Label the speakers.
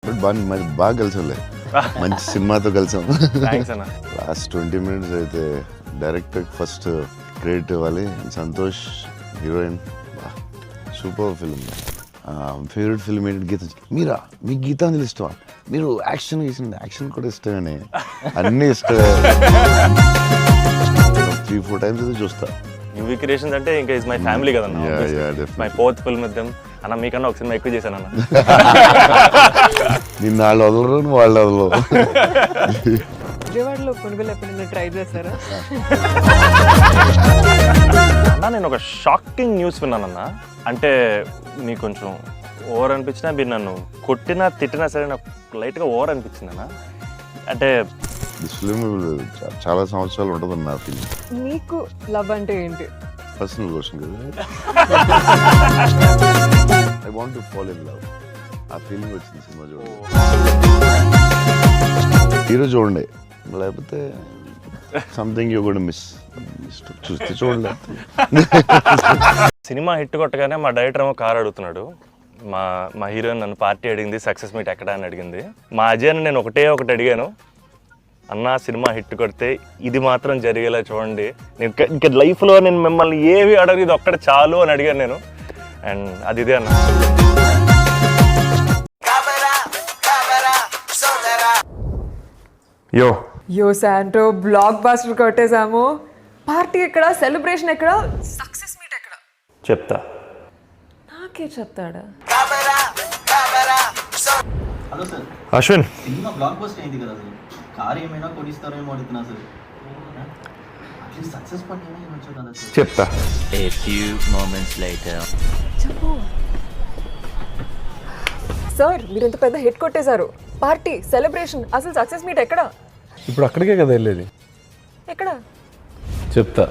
Speaker 1: But మరి బాగా కలిసాంలే, మంచి సినిమాతో కలిసాం.
Speaker 2: థ్యాంక్స్ అన్న.
Speaker 1: లాస్ట్ 20 minutes అయితే డైరెక్టర్ ఫస్ట్ క్రెడిట్ ఇవ్వాలి. Santosh heroine, super film. Favourite film ఏంటి? గీత. మీరా? మీకు గీతాంజలి ఇష్టమా? మీరు యాక్షన్ కూడా ఇష్టమని, అన్నీ ఇష్టమే. 3-4 times అయితే చూస్తా.
Speaker 2: యూవీ క్రియేషన్స్ అంటే ఇంకా ఇస్ మై ఫ్యామిలీ కదన్న. My 4th film with them అన్న. మీకన్నా ఒక సినిమా ఎక్కువ చేశాను అన్న.
Speaker 1: నిన్న వాళ్ళు వదలరు, నువ్వు వాళ్ళు వదలవు.
Speaker 3: విజయవాడలో పునుగులు ఎప్పుడైనా ట్రై చేశారా?
Speaker 2: అన్న నేను ఒక షాకింగ్ న్యూస్ విన్నానన్న. అంటే నీకు కొంచెం ఓవర్ అనిపించినా, మీరు నన్ను కొట్టినా తిట్టినా సరే నాకు లైట్గా ఓవర్ అనిపించింది అన్న. అంటే
Speaker 1: దిస్ ఫిల్మ్ చాలా సంవత్సరాలు ఉంటుందని నా ఫీలింగ్.
Speaker 3: మీకు లవ్ అంటే ఏంటి?
Speaker 1: పర్సనల్ క్వశ్చన్ కదా. I want to fall in love. ఆ ఫీలింగ్ వచ్చింది సినిమా చూడండి. హీరో చూడండి, లేకపోతే సంథింగ్ యూ గోనా మిస్. చూస్తే చూడండి.
Speaker 2: సినిమా హిట్ కొట్టగానే మా డైరెక్టర్ ఏమో కార్ అడుగుతున్నాడు. మా హీరోయిన్ నన్ను పార్టీ అడిగింది, సక్సెస్ మీట్ ఎక్కడ అని అడిగింది. మా అజయ్ని నేను ఒకటి అడిగాను, అన్న సినిమా హిట్ కొడితే ఇది మాత్రం జరిగేలా చూడండి, నేను ఇంకా లైఫ్లో నేను మిమ్మల్ని ఏవి అడగదు, ఇది ఒక్కటి చాలు అని అడిగాను నేను. అండ్ అది ఇదే అన్న.
Speaker 3: యో శాంటో, బ్లాక్ బాస్టర్ కొట్టేశాము. పార్టీ ఎక్కడ? సెలబ్రేషన్ ఎక్కడ? సక్సెస్ మీట్ ఎక్కడ?
Speaker 2: చెప్తా.
Speaker 3: నాకే చెప్తాడా?
Speaker 4: హలో సార్,
Speaker 2: అశ్విన్
Speaker 4: సినిమా బ్లాక్ బస్టర్ అయింది కదా సార్, కార్ ఏమైనా కొనిస్తారో ఏమో అడుగుతున్నా సార్. అట్లీస్ట్ సక్సెస్ పార్టీ అయినా ఇవ్వచ్చు కదా సార్.
Speaker 2: చెప్తా.
Speaker 5: A few moments later.
Speaker 3: చెప్పు సార్, మీరు ఇంత పెద్ద హిట్ కొట్టేశారు. పార్టీ, సెలబ్రేషన్, అసలు సక్సెస్ మీట్ ఎక్కడ?
Speaker 6: ఇప్పుడు అక్కడికే కదా వెళ్ళేది.
Speaker 3: ఎక్కడ?
Speaker 6: చెప్తా.